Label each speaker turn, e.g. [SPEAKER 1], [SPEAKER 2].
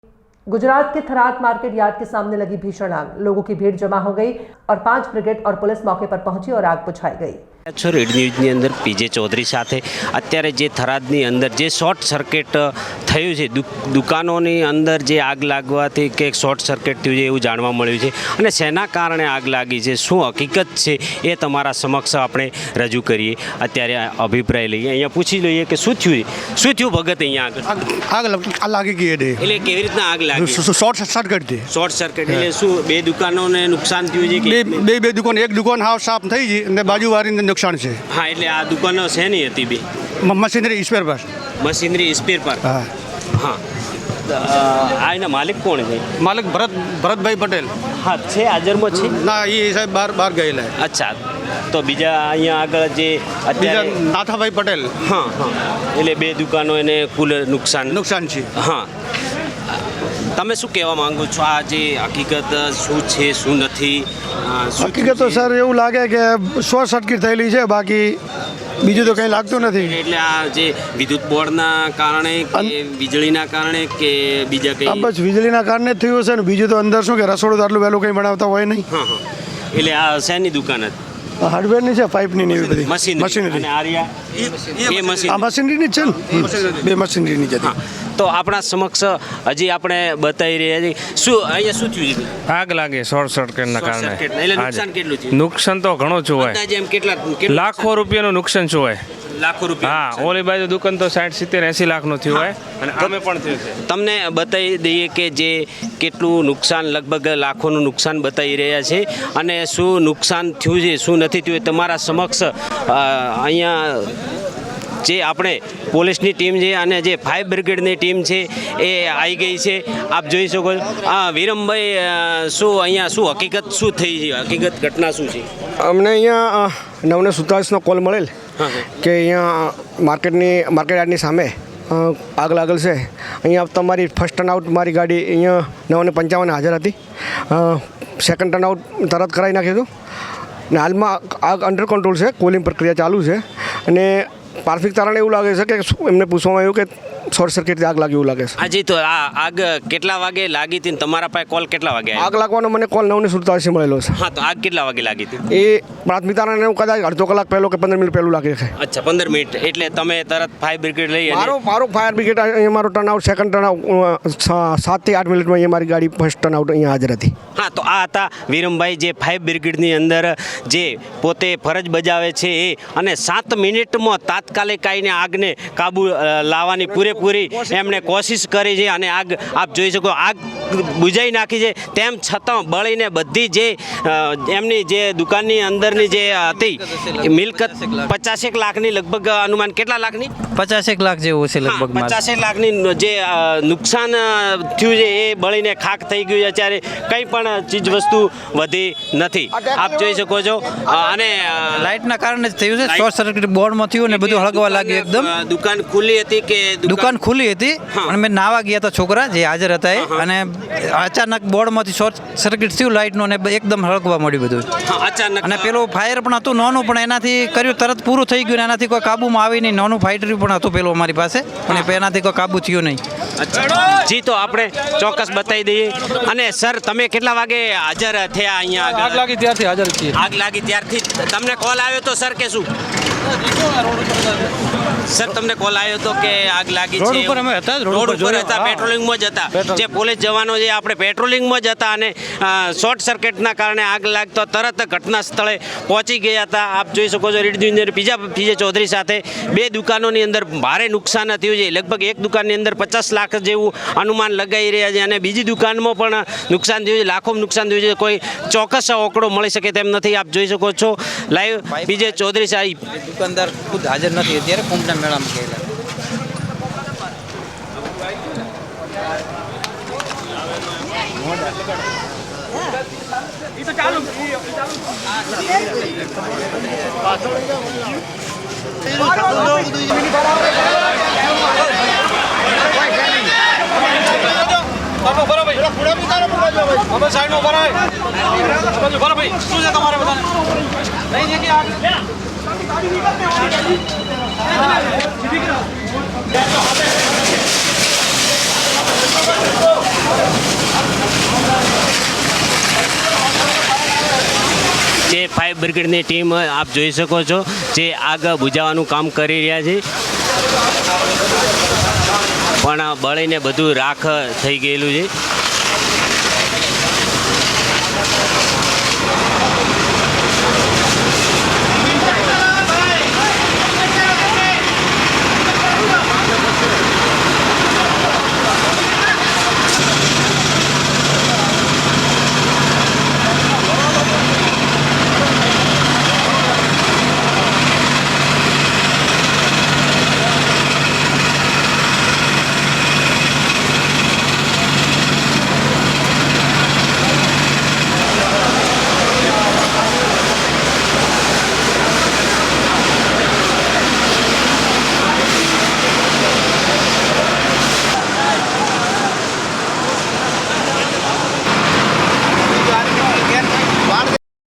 [SPEAKER 1] गुजरात के Tharad market yard के सामने लगी भीषण आग, लोगों की भीड़ जमा हो गई और 5 ब्रिगेड और पुलिस मौके पर पहुंची और आग बुझाई गई।
[SPEAKER 2] રેડ ન્યૂઝની અંદર પીજે ચૌધરી સાથે અત્યારે જે થરાદની અંદર જે શોર્ટ સર્કિટ થયું છે, દુકાનોની અંદર જે આગ લાગવાથી કે શોર્ટ સર્કિટ થયું છે એવું જાણવા મળ્યું છે અને શેના કારણે આગ લાગી છે, શું હકીકત છે એ તમારા સમક્ષ આપણે રજૂ કરીએ। અત્યારે અભિપ્રાય લઈએ, અહીંયા પૂછી લઈએ કે શું થયું ભગત અહીંયા
[SPEAKER 3] આગ લાગી ગઈ
[SPEAKER 2] એટલે કેવી રીતના આગ લાગી?
[SPEAKER 3] શોર્ટ સર્કિટ થી
[SPEAKER 2] શોર્ટ સર્કિટ એટલે શું બે દુકાનોને નુકસાન થયું છે કે
[SPEAKER 3] બે દુકાન, એક દુકાન હાવ સાફ થઈ ગઈ અને બાજુવાળીને નુકસાન છે।
[SPEAKER 2] હા, એટલે આ દુકાનો શેની હતી? બે
[SPEAKER 3] મશીનરી સ્પેર પર।
[SPEAKER 2] મશીનરી સ્પેર પર।
[SPEAKER 3] હા
[SPEAKER 2] હા, આ એના માલિક કોણ છે?
[SPEAKER 3] માલિક ભરતભાઈ પટેલ।
[SPEAKER 2] હા, છે હાજરમાં છે
[SPEAKER 3] ના, એ સાહેબ બહાર ગયેલા।
[SPEAKER 2] અચ્છા, તો બીજા અહીંયા આગળ જે અત્યારે
[SPEAKER 3] નાથાભાઈ પટેલ।
[SPEAKER 2] હા હા, એટલે બે દુકાનો એને કુલ નુકસાન
[SPEAKER 3] છે।
[SPEAKER 2] હા, તમે શું કહેવા માંગો છો? આ જે હકીકત શું છે શું નથી?
[SPEAKER 4] હકીકત તો સર એવું લાગે કે શોર્ટ સર્કિટ થયેલી છે, બાકી બીજું તો કંઈ લાગતું નથી।
[SPEAKER 2] એટલે આ જે વિદ્યુત બોર્ડના કારણે કે વીજળીના કારણે કે બીજા કંઈ?
[SPEAKER 4] બસ વીજળીના કારણે જ થયું હશે ને, બીજું તો અંદર શું કે રસોડું તો આટલું વહેલું કંઈ બનાવતા હોય નહીં।
[SPEAKER 2] હા હા, એટલે આ શેની દુકાન હતી?
[SPEAKER 4] હાર્ડવેરની છે, પાઇપની ને એવી બધી
[SPEAKER 2] મશીનરી।
[SPEAKER 4] મશીનરી।
[SPEAKER 2] એ મશીન
[SPEAKER 4] આ મશીનરીની જ છે ને, બે મશીનરીની જ હતી।
[SPEAKER 2] તો આપણા સમક્ષ હજી આપણે બતાવી રહ્યા છીએ શું અહીંયા શું થયું છે?
[SPEAKER 5] આગ લાગે શોર્ટ સર્કિટના કારણે।
[SPEAKER 2] એટલે નુકસાન કેટલું થયું?
[SPEAKER 5] નુકસાન તો ઘણું જ હોય,
[SPEAKER 2] અંદાજે એમ કેટલા
[SPEAKER 5] લાખો રૂપિયાનું નુકસાન શું હોય?
[SPEAKER 2] લાખો રૂપિયા?
[SPEAKER 5] હા, ઓલી બાજુ દુકાન તો 60, 70, 80 લાખનું થયું હોય અને આમે પણ થયું છે।
[SPEAKER 2] તમને બતાવી દઈએ કે જે કેટલું નુકસાન, લગભગ લાખોનું નુકસાન બતાવી રહ્યા છે અને શું નુકસાન થયું છે શું નથી થયું તમારા સમક્ષ અહીંયા જે આપણે પોલીસની ટીમ છે અને જે ફાયર બ્રિગેડની ટીમ છે એ આવી ગઈ છે, આપ જોઈ શકો છો। વિરમભાઈ, શું અહીંયા શું હકીકત શું થઈ છે? હકીકત ઘટના શું છે?
[SPEAKER 4] અમને અહીંયા 9:47નો કોલ મળેલ કે અહીંયા માર્કેટ યાર્ડની સામે આગ લાગેલ છે। અહીંયા તમારી ફર્સ્ટ ટર્ન આઉટ મારી ગાડી અહીંયા 9:55 હાજર હતી, સેકન્ડ ટર્ન આઉટ તરત કરાવી નાખ્યું હતું ને હાલમાં આગ અંડર કંટ્રોલ છે, કોલિંગ પ્રક્રિયા ચાલુ છે અને પાર્થિક તારણ એવું લાગે છે કે એમને પૂછવામાં આવ્યું કે શોર્ટ સર્કિટથી આગ લાગી એવું લાગે છે।
[SPEAKER 2] હાજી, તો આ આગ કેટલા વાગે લાગી હતી? તમારા પાસે કોલ કેટલા વાગે આવ્યો?
[SPEAKER 4] આગ લાગવાનો મને કોલ 9:47 મળેલો છે।
[SPEAKER 2] હા, તો આગ કેટલા વાગે લાગી હતી?
[SPEAKER 4] એ પ્રાથમિક તારણ એવું કદાચ અડધો કલાક પહેલો કે 15 મિનિટ પહેલું લાગે છે।
[SPEAKER 2] અચ્છા, 15 મિનિટ એટલે તમે તરત ફાયર બ્રિગેડ લઈ?
[SPEAKER 4] મારો ફાયર બ્રિગેડ અહીંયા મારો turn out, second turn out 7 થી 8 મિનિટમાં અહીંયા મારી ગાડી ફર્સ્ટ ટર્ન આઉટ અહીંયા હાજર હતી।
[SPEAKER 2] હા, તો આ હતા વિરમભાઈ જે ફાયર બ્રિગેડની અંદર જે પોતે ફરજ બજાવે છે એ, અને 7 મિનિટમાં તાત્કાલિક આવીને આગને કાબુ લાવવાની પૂરેપૂરી એમણે કોશિશ કરી છે અને આગ આપ જોઈ શકો આગ બુઝાઈ નાખી છે। તેમ છતાં બળીને બધી જે એમની જે દુકાનની અંદરની જે હતી મિલકત 50 લાખની લગભગ, અનુમાન કેટલા લાખની?
[SPEAKER 6] 50 લાખ જેવું છે લગભગ।
[SPEAKER 2] 50 લાખની જે નુકસાન થયું છે એ બળીને ખાખ થઈ ગયું છે। અત્યારે કંઈ પણ ચીજ વસ્તુ વધી નથી, આપ જોઈ શકો છો। અને
[SPEAKER 6] લાઇટના કારણે જ થયું છે, શોર્ટ સર્કિટ બોર્ડમાં થયું ને બધું હળગવા લાગ્યું એકદમ।
[SPEAKER 2] દુકાન ખુલ્લી હતી કે?
[SPEAKER 6] દુકાન ખુલ્લી હતી અને મેં નાવા ગયા હતા, છોકરા જે હાજર હતા એ, અને અચાનક બોર્ડમાંથી શોર્ટ સર્કિટ થયું લાઇટનું અને એકદમ હળગવા મળ્યું બધું
[SPEAKER 2] અચાનક।
[SPEAKER 6] અને પેલું ફાયર પણ હતું નાનું, પણ એનાથી કર્યું તરત પૂરું થઈ ગયું ને એનાથી કોઈ કાબુમાં આવી નહીં। નાનું ફાઇટર પણ હતું પેલું અમારી પાસે, પણ એનાથી કોઈ કાબુ થયું નહીં।
[SPEAKER 2] જી, તો આપણે ચોક્કસ બતાવી દઈએ। અને સર, તમે કેટલા વાગે હાજર થયા અહીંયા?
[SPEAKER 5] આગ લાગી ત્યારથી હાજર છીએ।
[SPEAKER 2] આગ લાગી ત્યારથી તમને કોલ આવ્યો તો સર કે શું? સર, તમને કોલ આવ્યો તો કે આગ લાગી છે?
[SPEAKER 5] રોડ ઉપર અમે હતા,
[SPEAKER 2] રોડ ઉપર હતા, પેટ્રોલિંગમાં જ હતા, જે પોલીસ જવાનો જે આપણે પેટ્રોલિંગમાં જ હતા અને શોર્ટ સર્કિટના કારણે આગ લાગતો તરત ઘટના સ્થળે પહોંચી ગયા હતા। આપ જોઈ શકો છો રેડ ન્યૂઝ પીજે ચૌધરી સાથે બે દુકાનોની અંદર ભારે નુકસાન થયું છે, લગભગ એક દુકાનની અંદર 50 લાખ જેવું અનુમાન લગાવી રહ્યા છે અને બીજી દુકાનમાં પણ નુકસાન થયું છે, લાખોમાં નુકસાન થયું છે, કોઈ ચોક્કસ આંકડો મળી શકે તેમ નથી। આપ જોઈ શકો છો લાઈવ પીજે ચૌધરી સાહેબ
[SPEAKER 6] દુકાનદાર ખુદ હાજર નથી અત્યારે, કુંભના મેળામાં ગયેલા।
[SPEAKER 2] જે ફાયર બ્રિગેડની ટીમ આપ જોઈ શકો છો જે આગ બુઝાવવાનું કામ કરી રહ્યા છે, પણ બળીને બધું રાખ થઈ ગયેલું છે.